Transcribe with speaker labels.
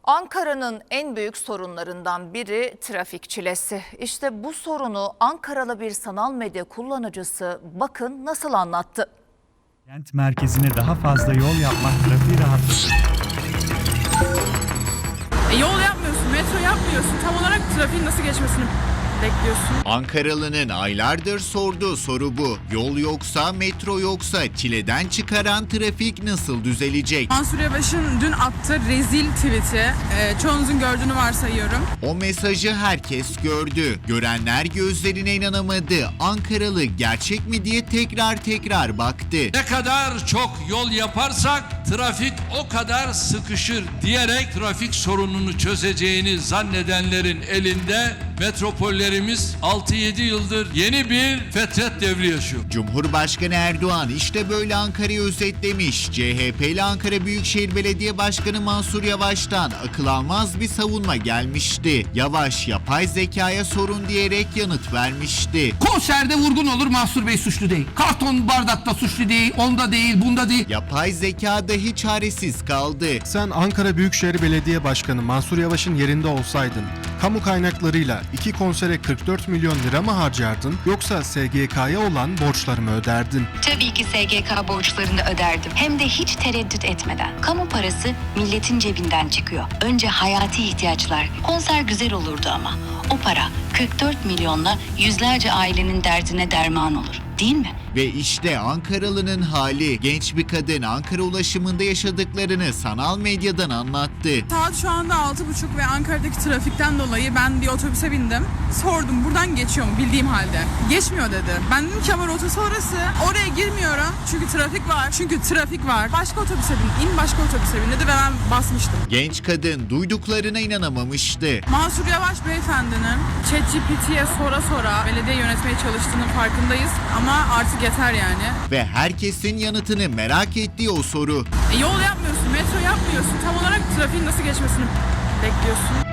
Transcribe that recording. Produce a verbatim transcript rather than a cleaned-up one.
Speaker 1: Ankara'nın en büyük sorunlarından biri trafik çilesi. İşte bu sorunu Ankaralı bir sanal medya kullanıcısı bakın nasıl anlattı.
Speaker 2: Kent merkezine daha fazla yol yapmak trafiği rahatlatır.
Speaker 3: E, yol yapmıyorsun, metro yapmıyorsun. Tam olarak trafiğin nasıl geçmesini bekliyorsun.
Speaker 4: Ankaralı'nın aylardır sorduğu soru bu. Yol yoksa, metro yoksa çileden çıkaran trafik nasıl düzelecek?
Speaker 3: Mansur Yavaş'ın dün attığı rezil tweet'i e, çoğunuzun gördüğünü varsayıyorum.
Speaker 4: O mesajı herkes gördü. Görenler gözlerine inanamadı. Ankaralı gerçek mi diye tekrar tekrar baktı.
Speaker 5: Ne kadar çok yol yaparsak trafik o kadar sıkışır diyerek trafik sorununu çözeceğini zannedenlerin elinde metropollerimiz altı yedi yıldır yeni bir fetret devri yaşıyor.
Speaker 4: Cumhurbaşkanı Erdoğan işte böyle Ankara'yı özetlemiş. C H P'li Ankara Büyükşehir Belediye Başkanı Mansur Yavaş'tan akıl almaz bir savunma gelmişti. Yavaş yapay zekaya sorun diyerek yanıt vermişti.
Speaker 6: Konserde vurgun olur, Mansur Bey suçlu değil. Karton bardakta suçlu değil, onda değil, bunda değil.
Speaker 4: Yapay zeka dahi çaresiz kaldı.
Speaker 7: Sen Ankara Büyükşehir Belediye Başkanı Mansur Yavaş'ın yerinde olsaydın, kamu kaynaklarıyla iki konsere kırk dört milyon lira mı harcardın yoksa S G K'ya olan borçları mı öderdin?
Speaker 8: Tabii ki S G K borçlarını öderdim. Hem de hiç tereddüt etmeden. Kamu parası milletin cebinden çıkıyor. Önce hayati ihtiyaçlar. Konser güzel olurdu ama. O para kırk dört milyonla yüzlerce ailenin derdine derman olur. Değil mi?
Speaker 4: Ve işte Ankaralı'nın hali. Genç bir kadın Ankara ulaşımında yaşadıklarını sanal medyadan anlattı.
Speaker 3: Saat şu anda altı buçuk ve Ankara'daki trafikten dolayı ben bir otobüse bindim. Sordum buradan geçiyor mu bildiğim halde. Geçmiyor dedi. Ben dedim ki ama rotası orası. Oraya girmiyorum çünkü trafik var. Çünkü trafik var. Başka otobüse bin. İn başka otobüse bin dedi ve ben basmıştım.
Speaker 4: Genç kadın duyduklarına inanamamıştı.
Speaker 3: Mansur Yavaş beyefendinin ChatGPT'ye sora sora belediye yönetmeye çalıştığının farkındayız. Ama artık yeter yani.
Speaker 4: Ve herkesin yanıtını merak ettiği o soru.
Speaker 3: E, yol yapmıyorsun, metro yapmıyorsun. Tam olarak trafiğin nasıl geçmesini bekliyorsun.